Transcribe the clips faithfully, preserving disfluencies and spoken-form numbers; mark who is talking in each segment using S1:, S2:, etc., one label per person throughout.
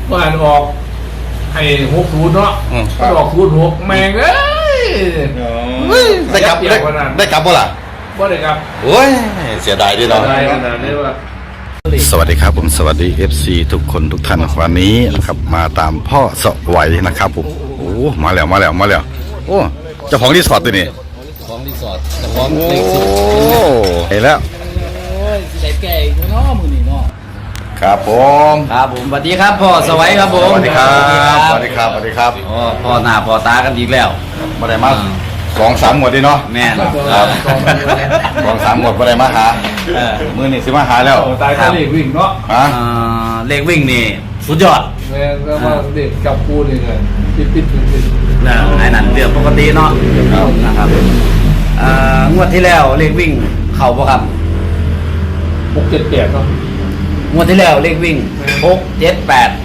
S1: ว่าออกให้หกศูนย์เนาะก็ออกศูนย์หกแมงเลย
S2: ได้กลับได้ได้กลับบ่ล่ะ
S1: บ่ได้กลับ
S2: โอ้ยเสียดายด้วยเนาะสวัสดีครับผมสวัสดี เอฟ ซี ทุกคนทุกท่านวันนี้นะครับมาตามพ่อสวัยนะครับผมโอ้มาแล้วมาแล้วมาแล้วโอ้เจ้าของรีสอร์ทตัวนี้
S3: ของรีสอร์ทเจ้าของเล็กสุด
S2: โอ้เห็นแล้ว
S3: โอ้ยใส่แก่อีกเนาะมือนี่เนาะ
S2: ครับผม
S3: ครับผมสวัสดีครับพ่อสวัยครับผม
S2: สวัสดีครับสวัสดีครับสวัสดีครับ
S3: อ๋อพ่อหน้าพ่อตากันอีกแล้ว
S2: มาได้มาสองสามหมวดดิเนาะ
S3: แม่
S2: ครับสองสามหมวดมาได้มาหามือนี่สิมาหาแล้ว
S1: ตายเลขวิ่งเนาะ
S2: ฮะ
S3: เลขวิ่งนี่สุดยอด
S1: แม่ก็ว่าเด็กกับปูนี่เลยปิดปิดปิดปิด
S3: นะไอ้นั่นเรื่องปกติเนาะนะครับงวดที่แล้วเลขวิ่งเข่าป่ะครับ
S1: หกเจ็ดแปดเนาะ
S3: งวดที่แล้วเลขวิ่งหกเจ็ดแปด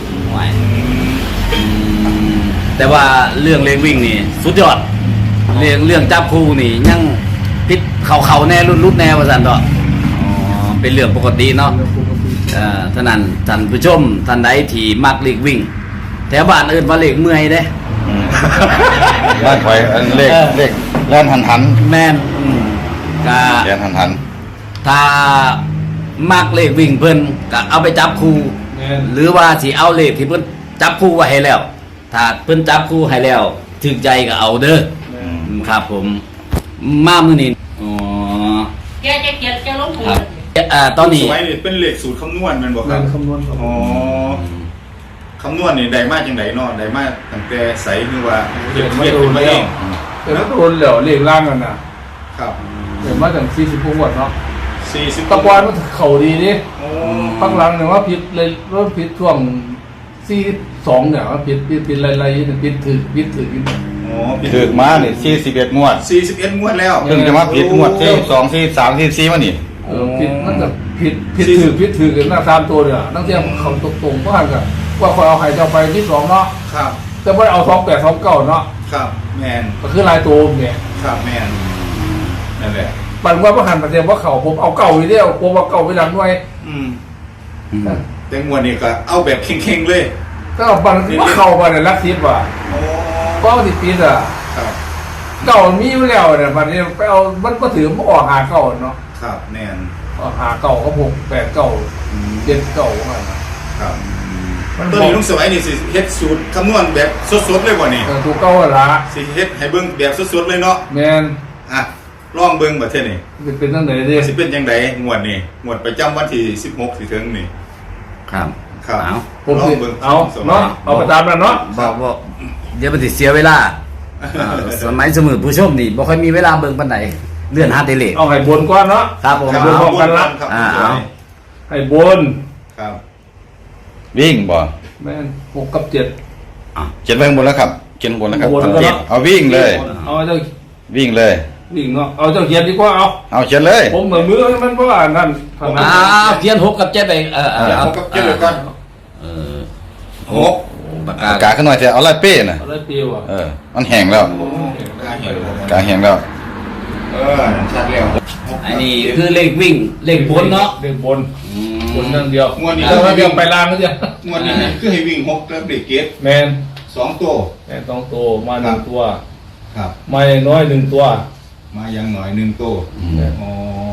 S3: แต่ว่าเรื่องเลขวิ่งนี่สุดยอดเรื่องเรื่องจับคู่นี่ยังพิษเข่าเข่าแน่รุ่นรุ่นแน่ว่าสันต่อเป็นเรื่องปกติเนาะท่านั้นท่านผู้ชมท่านใดที่มักเลขวิ่งแถวบ้านอื่นว่าเลขเมื่อยเด้
S2: บ้านคอยเลขเลขแล่นหันหัน
S3: แม่นกะ
S2: แล่นหันหัน
S3: ถ้ามักเลขวิ่งเพิ่นก็เอาไปจับคู่หรือว่าสิเอาเลขที่เพิ่นจับคู่ไว้ให้แล้วถ้าเพิ่นจับคู่ให้แล้วถึงใจก็เอาเด้อครับผมมามื้อนี้อ๋อ
S4: แกจะเขียนจะลงทุน
S3: อ่าตอนนี้
S5: สมัยนี้เป็นเลขสูตรคำนวณมันบอกครับ
S1: คำนวณ
S5: อ๋อคำนวณนี่ได้มาจังไดเนาะได้มาตั้งแต่ใสคือว่าเรียนเรียนขึ้นมาเอง
S1: แต่ถ้าโดนเหลวเลขล่างกันนะครับเห็นว่าถึงสี่สิบพวงเนาะ
S5: สี่สิบ
S1: ตะกอนมันเข่าดีนี่ตั้งหลังเนี่ยว่าผิดเลยเริ่มผิดช่วงสี่สองเนี่ยว่าผิดผิดผิดอะไรๆผิดถือผิดถือผิด
S5: อ๋อ
S2: ถือมาเนี่ยสี่สิบเอ็ดงวด
S5: สี่สิบเอ็ดงวดแล้ว
S2: เพิ่งจะมาผิดงวดที่สองที่สามที่สี่มานี่
S1: เออผิดมันจะผิดผิดถือผิดถือกันหน้าตามตัวเนี่ยนั่งเทียมเขาตรงตรงบ้านกันว่าคอยเอาไข่เจ้าไปที่สองเนาะ
S5: ครับ
S1: แต่ไม่เอาสองแปดสองเก้าเนาะ
S5: ครับแมน
S1: ก็คือลายตัวเนี่ย
S5: ครับแมนนั่นแหละ
S1: ปันว่าประหันประเดี๋ยวว่าเขาผมเอาเก่าไปเดียวผมเอาเก่าไปหลังด้วย
S5: อืมแต่งวดนี้ก็เอาแบบเข่งๆเลย
S1: ก็ปันว่าเข่าไปเนี่ยรักทิพย์ว่ะก็ติดปีอ่ะเก่ามีอยู่แล้วเนี่ยปันนี้ไปเอามันก็ถือมันออกหาเก่าเนาะ
S5: ครับแมน
S1: ออกหาเก่าก็หกแปดเก่าเจ็ดเก่าว่า
S5: ครับตอนนี้ลุงสมัยนี่สิเฮ็ดสูตรคำนวณแบบสดๆเลยบ่นี่
S1: ถูกเก่าละ
S5: สิเฮ็ดให้เบิ่งแบบสดๆเลยเนาะ
S1: แมน
S5: อ่ะลองเบิ่งบัดเท่านี้
S1: เป็นจังได๋ดิ
S5: สิเป็นจังได๋งวดนี้งวดประจำวันที่สิบหกสิถึงนี่
S3: ครับ
S5: ครับ
S1: เอาผมสิเอาเนาะเอาไปตามนั้นเนาะ
S3: บอกว่าเดี๋ยวมันสิเสียเวลาสมัยสมุนผู้ชมนี่บ่ค่อยมีเวลาเบิ่งปานใดเลื่อนหาเตเล
S1: เอาให้บนก่อนเนาะ
S3: ครับผม
S1: บนพร้อมกันละ
S3: อ่าเอา
S1: ให้บน
S5: ครับ
S2: วิ่งบ่
S1: แม่นหกกับเจ็ด
S2: อ่ะเจ็ดไปข้างบนแล้วครับเจ็ดบนแล้วครับเจ็ดเอาวิ่งเลย
S1: เอาเจ้า
S2: วิ่งเลย
S1: วิ่งเนาะเอาเจ้าเขียนดีกว่าเอา
S2: เอาเขียนเลย
S1: ผมเหมือนมือมันเพราะว่านั่น
S3: อ่าเขียนหกกับเจ็ดไปเออเออ
S5: หกกับเจ็ดเลยก่อน
S3: เออ
S5: หก
S2: ปากกาขึ้นหน่อยจะเอาลายเป้น่ะ
S1: เอาลายเป้ว่ะ
S2: เออมันแห้งแล้วกาแห้งแล้ว
S5: เออชัดแล้ว
S3: อันนี้คือเลขวิ่งเลขบนเนาะ
S1: เลขบนบนนั่งเดียว
S5: งวดนี้
S1: ถ้าเดียวไปล่างก็จะ
S5: งวดนี้คือให้วิ่งหกแล้วเบรกเกต
S1: แมน
S5: สองตัว
S1: แมนสองตัวมาหนึ่งตัว
S5: ครับ
S1: มาน้อยหนึ่งตัว
S5: มายังหน่อยหนึ่งตัวอ๋อ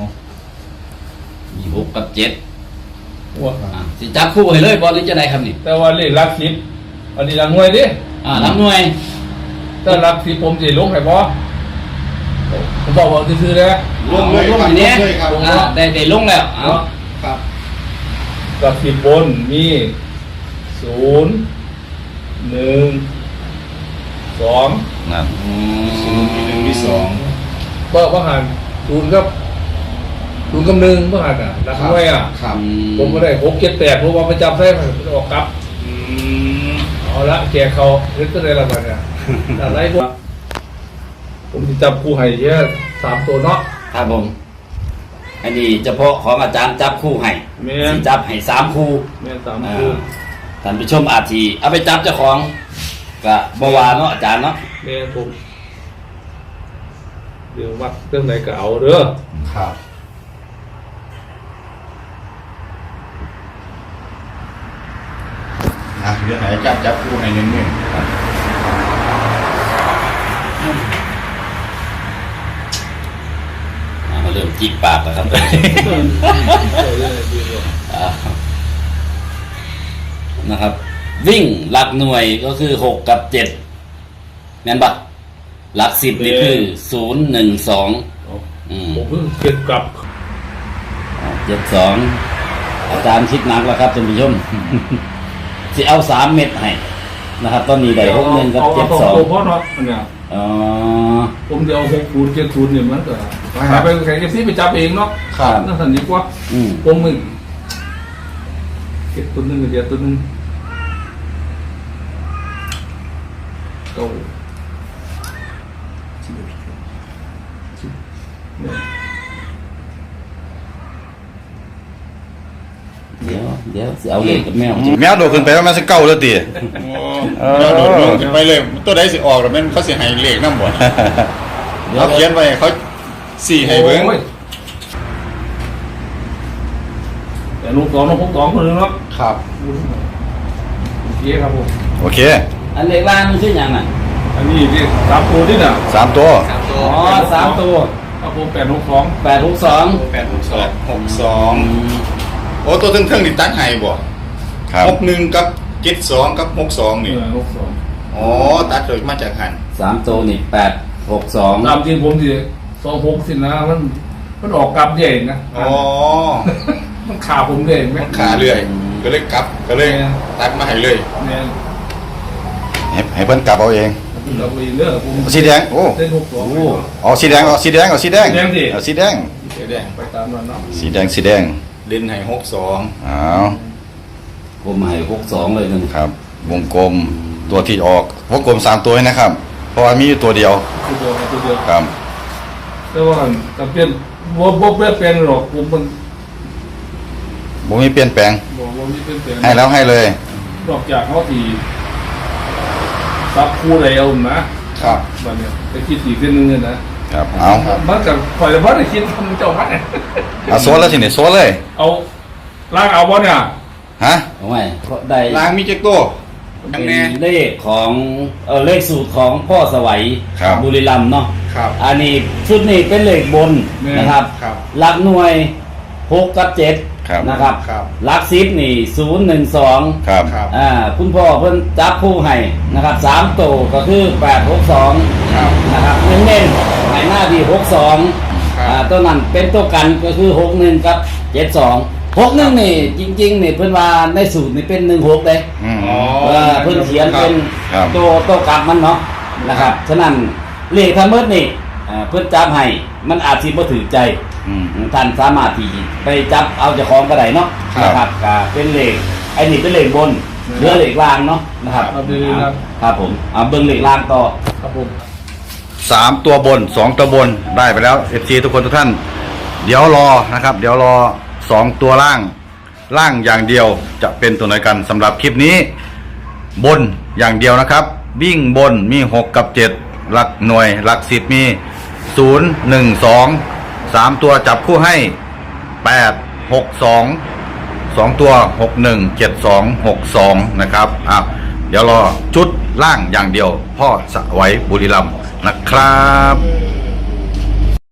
S3: มีหกกับเจ็ดสิจับคู่ให้เลยบอลหรือจะไหนครับนี่
S1: แต่ว่าเลขลักสิบอันนี้ลักหน่วยดิ
S3: อ่าลักหน่วย
S1: ถ้าลักสิบผมจะลงให้บอผมบอกว่าคือๆนะ
S3: ลงลงอย่างนี้ได้ได้ลงแล้ว
S5: ครับ
S1: ลักสิบบนมีศูนย์หนึ่งสอง
S2: นั่น
S5: ศูนย์มีหนึ่งมีสอง
S1: ก็ว่าหันศูนย์กับศูนย์กับหนึ่งว่าหันอ่ะรักน้อยอ่ะผมก็ได้หกเจ็ดแปดผมว่าประจำได้มันออกกลับเอาละแกเขาเรื่องอะไรละมันเนี่ยอะไรพวกผมจะจับคู่ให้เยอะสามตัวเนาะ
S3: ครับผมอันนี้เฉพาะของอาจารย์จับคู่ให้จับให้สามคู่
S1: แม่สามคู่
S3: ท่านผู้ชมอาทีเอาไปจับเจ้าของกับบวาเนาะอาจารย์เนาะ
S1: แม่ผมเดี๋ยววัดเรื่องไหนก็เอาเด้อ
S5: ครับออ่ะเดี๋ยวให้อาจารย์จับคู่ให้นิดนึง
S3: อ่ามาเริ่มจิกปากแล้วครับ อ่านะครับ วิ่งหลักหน่วยก็คือหกกับเจ็ดงั้นปะหลักสิบนี่คือศูนย์หนึ่งสองอืม
S1: ผมเพิ่งเก็บกลับ
S3: เจ็ดสองอาจารย์คิดหนักแล้วครับท่านผู้ชม สิเอาสามเม็ดให้นะครับ ตอนนี้ได้หกหนึ่งกับเจ็ดสอง
S1: ตัวพ่อเนาะเนี่ย
S3: อ๋อ
S1: ผมจะเอาหกศูนย์เจ็ดศูนย์เนี่ยมันก็หาไปแข่งเอฟซีไปจับเองเนาะ
S3: ครับ
S1: นั่นสันดีกว่า
S3: อืม
S1: ผมมึงเก็บตัวหนึงกับเดียวตัวหนึงเก้าเนี่ย
S3: เดี๋ยวเดี๋ยวสิเอาเลขกับแมว
S2: แมวโดดขึ้นไปว่ามันสิเก้าแล้วติ
S5: โอ้เราโดดลงขึ้นไปเลยตัวใดสิออกแล้วแม่นเขาสิให้เลขนำบ่
S3: เดี๋ยว
S5: เขาเขียนไว้เขาสี่ให้เบิ่ง
S1: โอ้ยแต่ลูกสองลูกสองคนหนึงเนาะ
S5: ครับ
S1: โอเคครับผม
S2: โอเค
S3: อันเลขล่างมันชื่ออย่างน่ะ
S1: อันนี้ที่สามตัวนี่น่ะ
S2: สามตัว
S3: อ๋อสามตัว
S1: ครับผมแปดหกสอง
S3: แปดหกสอง
S5: แปดหกสองหกสองโอ้ตัวเทิงๆนี่ตัดให้บ่
S2: ครับ
S5: หกหนึ่งกับเจ็ดสองกับหกสองนี่
S1: เออหกสอง
S5: อ๋อตัดโดยมาจากหัน
S3: สามตัวนี่แปดหกสอง
S1: ตามจริงผมสิสองหกสินะมันมันออกกลับใหญ่นะ
S5: อ๋อ
S1: มันขาผมเลยไหม
S5: ขาเรื่อยก็เลยกลับก็เลยตัดมาให้เลย
S1: เนี่ย
S2: ให้ให้เพิ่นกลับเอาเอง
S1: เราไปเลือกผม
S2: สีแดงโอ้
S1: เส้นหกสอง
S2: เอาสีแดงเอาสีแดงเอาสีแดง
S1: สีแดงสิ
S2: เอาสีแดง
S5: เดี๋ยวแดง
S1: ไปตามนั้นเนาะ
S2: สีแดงสีแดง
S5: เล่นให้หกสอง
S2: อ้าว
S3: ผมให้หกสองเลยนึง
S2: ครับ วงกลมตัวที่ออกวงกลมสามตัวให้นะครับ เพราะว่ามีอยู่ตัวเดียว
S1: ตัวเดียวตัวเดียว
S2: ครับ
S1: แต่ว่าแต่เปลี่ยนบ่บ่เปลี่ยนแปลงหรอกผมมัน
S2: บ่มีเปลี่ยนแปลง
S1: บ่บ่มีเปลี่ยนแปลง
S2: ให้แล้วให้เลย
S1: นอกจากเขาที่ซับคู่แล้วนะครับ บัดเนี้ยไปคิดอีกเรื่องนึงเนี่ยนะครับ
S2: เอา
S1: มันกับข่อยละบ่ได้คิดทำเจ้าพัดเนี่ย
S2: เอาโซนแล้วทีนี้โซนเลย
S1: เอาล้างเอาบ่เนี่ย
S2: ฮะ
S3: เอาไว้ก็ได้
S5: ล้างมีเจ็กโต้ยัง
S3: เป็
S5: แน่
S3: นเลขของเออเลขสูตรของพ่อสวัย
S2: ครับ
S3: บุรีรัมย์เนาะ
S5: ครับ
S3: อันนี้ชุดนี้เป็นเลขบนนะครับ
S5: ครับ
S3: หลักหน่วยหกกับเจ็ด
S2: ครับ
S3: นะครับ
S5: ครับ
S3: หลักสิบนี่ศูนย์หนึ่งสอง
S2: ครับ
S5: ครับ
S3: อ่าคุณพ่อเพิ่นจับผู้ให้นะครับสามตัวก็คือแปดหกสอง
S5: ครับ
S3: นะครับเน้นๆให้หน้าที่หกสอง
S5: ครับ
S3: อ่าตัวนั้นเป็นตัวกันก็คือหกหนึ่งกับเจ็ดสองหกหนึ่งนี่จริงๆนี่เพิ่นว่าในสูตรนี่เป็นหนึ่งหกเลย
S2: อืม
S5: อ๋อ
S3: เออเพิ่นเขียนเป็น
S2: ครับ
S3: ตัวตัวกลับมันเนาะนะครับฉะนั้นเลขทั้งหมดนี่อ่าเพิ่นจับให้มันอาจสิบ่ถือใจ
S2: อืม
S3: ท่านสามารถที่ไปจับเอาเจ้าของก็ได้เนาะ
S2: ครับ
S3: นะครับก็เป็นเลขไอ้นี่เป็นเลขบนเหลือเลขล่างเนาะนะครับ
S1: เอาดีๆครับ
S3: ครับผมเอาเบิ่งเลขล่างต่อ
S1: ครับผม
S2: สามตัวบนสองตัวบนได้ไปแล้วเอฟซีทุกคนทุกท่าน เดี๋ยวรอนะครับ เดี๋ยวรอสองตัวล่าง ล่างอย่างเดียวจะเป็นตัวไหนกันสำหรับคลิปนี้ บนอย่างเดียวนะครับ วิ่งบนมีหกกับเจ็ดหลักหน่วย หลักสิบมีศูนย์หนึ่งสองสามตัวจับคู่ให้แปดหกสองสองตัวหกหนึ่งเจ็ดสองหกสองนะครับอ่ะเดี๋ยวรอชุดล่างอย่างเดียว พ่อสวัยบุรีรัมย์นะครับ